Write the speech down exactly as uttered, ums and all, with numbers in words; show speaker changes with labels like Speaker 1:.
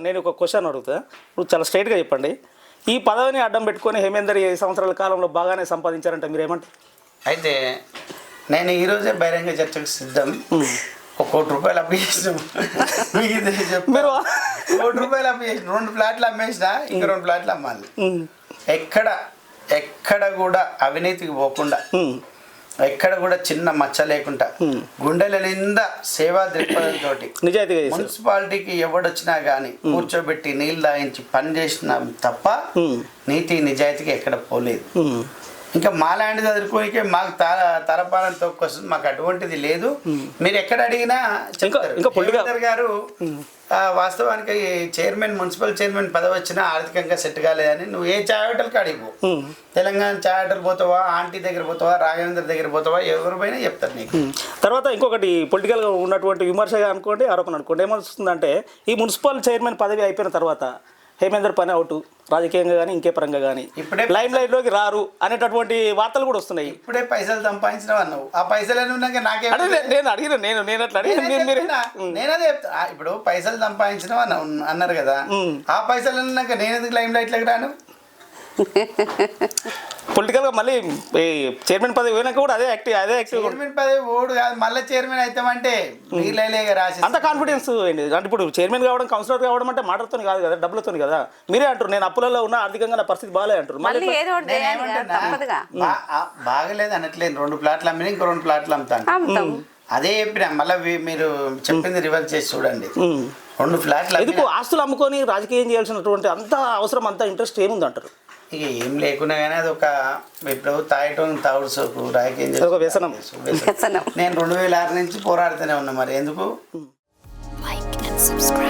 Speaker 1: నేను ఒక క్వశ్చన్ అడుగుతా, ఇప్పుడు చాలా స్ట్రైట్గా చెప్పండి. ఈ పదవిని అడ్డం పెట్టుకొని హేమేందర్ ఈ సంవత్సరాల కాలంలో బాగానే సంపాదించారంటే మీరు ఏమంటారు?
Speaker 2: అయితే నేను ఈరోజే బహిరంగ చర్చకు సిద్ధం. ఒక కోటి రూపాయలు అప్పు చేసినాం,
Speaker 1: మీరు
Speaker 2: కోటి రూపాయలు అప్పు చేసిన, రెండు ప్లాట్లు అమ్మేసిన, ఇంకా రెండు ప్లాట్లు అమ్మాలి. ఎక్కడ ఎక్కడ కూడా అవినీతికి పోకుండా, ఎక్కడ కూడా చిన్న మచ్చ లేకుండా, గుండెల నిండా సేవా దృక్పథంతో
Speaker 1: నిజాయితీగా
Speaker 2: మున్సిపాలిటీకి ఎవడొచ్చినా కానీ కూర్చోబెట్టి నీళ్ళు తాగించి పని చేసిన తప్ప నీతి నిజాయితీకి ఎక్కడ పోలేదు. ఇంకా మాలాంటి చదువుకోనికే మాకు తల తలపాలని తొక్కొస్తుంది, మాకు అటువంటిది లేదు. మీరు ఎక్కడ అడిగినా చెప్తారు గారు వాస్తవానికి చైర్మన్ మున్సిపల్ చైర్మన్ పదవి వచ్చినా ఆర్థికంగా సెట్ కాలేదని. నువ్వు ఏ చాయ్ హోటల్కి అడిగిపో, తెలంగాణ చాయ్ హోటల్ పోతావా, ఆంటీ దగ్గర పోతావా, రాఘవేంద్ర దగ్గర పోతావా, ఎవరి పైన చెప్తారు నీకు.
Speaker 1: తర్వాత ఇంకొకటి పొలిటికల్గా ఉన్నటువంటి విమర్శగా అనుకోండి, ఆరోపణ అనుకోండి, ఏమొస్తుందంటే ఈ మున్సిపల్ చైర్మన్ పదవి అయిపోయిన తర్వాత హేమేందర్ పని అవుట్, రాజకీయంగా కానీ ఇంకే పరంగా కానీ ఇప్పుడే లైమ్ లైట్ లోకి రారు అనేటటువంటి వార్తలు కూడా వస్తున్నాయి.
Speaker 2: ఇప్పుడే పైసలు సంపాదించినావు అన్నావు, ఆ పైసలు ఉన్నాక నాకే
Speaker 1: నేను అడిగిన నేను నేను అట్లా అడిగిన
Speaker 2: నేనదే చెప్తా. ఇప్పుడు పైసలు సంపాదించినావు అన్న అన్నారు కదా, ఆ పైసలు ఉన్నాక నేను ఎందుకు లైమ్ లైట్ లోకి రాను?
Speaker 1: పొలిటికల్ గా మళ్ళీ చైర్మన్ పదవి పోయినాక కూడా అదే యాక్టివ్ అదే యాక్టివ్
Speaker 2: చైర్మన్ పదవి ఓడు కాదు, మళ్ళీ చైర్మన్ అవుతామంటే రాసి
Speaker 1: అంత కాన్ఫిడెన్స్ ఏంటి అంటే ఇప్పుడు చైర్మన్ కావడం, కౌన్సిలర్ కావడం అంటే మాటలతో కాదు కదా, డబ్బులతో కదా. మీరే అంటారు నేను అప్పులలో ఉన్న, ఆర్థికంగా నా పరిస్థితి బాగాలే అంటారు.
Speaker 2: బాగలేదు అనట్లేదు, రెండు ప్లాట్లు అమ్మినా ఇంకో రెండు ప్లాట్లు అమ్ముతాను అదే చెప్పిన. మళ్ళీ మీరు చెప్పింది రివర్స్ చేసి చూడండి, రెండు ఫ్లాట్లు
Speaker 1: ఎందుకు ఆస్తులు అమ్ముకొని రాజకీయం చేయాల్సినటువంటి అంత అవసరం, అంత ఇంట్రెస్ట్ ఏముంది అంటారు?
Speaker 2: ఇక ఏం లేకున్నా కానీ అది ఒక ఇప్పుడు తాగటం తాగుడు సోకు రాజకీయం
Speaker 1: ఒక వ్యసనం.
Speaker 2: నేను రెండు వేల ఆరు నుంచి పోరాడుతూనే ఉన్నా, మరి ఎందుకు.